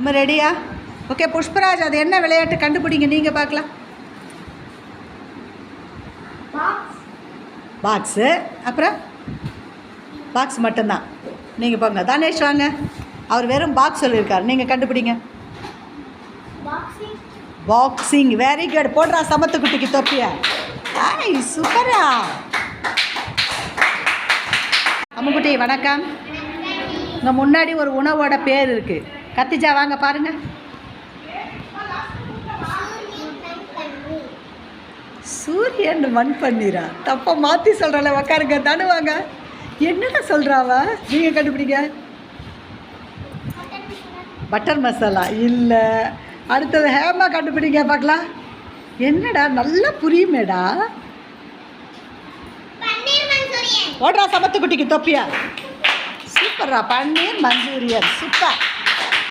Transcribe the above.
நம்ம ரெடியா? ஓகே புஷ்பராஜ், அது என்ன விளையாட்டு கண்டுபிடிங்க, நீங்கள் பார்க்கலாம். பாக்ஸு, அப்புறம் பாக்ஸ் மட்டும்தான். நீங்கள் போங்க. தனேஷ் வாங்க, அவர் வெறும் பாக்ஸ் சொல்லியிருக்கார், நீங்கள் கண்டுபிடிங்க. Boxing, very good. போடுறா சமத்து குட்டிக்கு தொப்பியா. ஐய் சூப்பரா. அம்முக்குட்டி வணக்கம். உங்கள் முன்னாடி ஒரு உணவோட பேர் இருக்குது. கத்திஜா வாங்க பாருங்கள். சூரியன் மண் பன்னீரா? தப்பா மாற்றி சொல்கிறல, உக்காருங்க. தானே வாங்க. என்னடா சொல்கிறாவா? நீங்கள் கண்டுபிடிங்க. பட்டர் மசாலா இல்லை. அடுத்தது ஹேமா கண்டுபிடிங்க பார்க்கலாம். என்னடா நல்லா புரியுமேடா. ஓடுறா சமத்து குட்டிக்கு தொப்பியா. சூப்பர்ரா, பன்னீர் மஞ்சூரியன், சூப்பர்.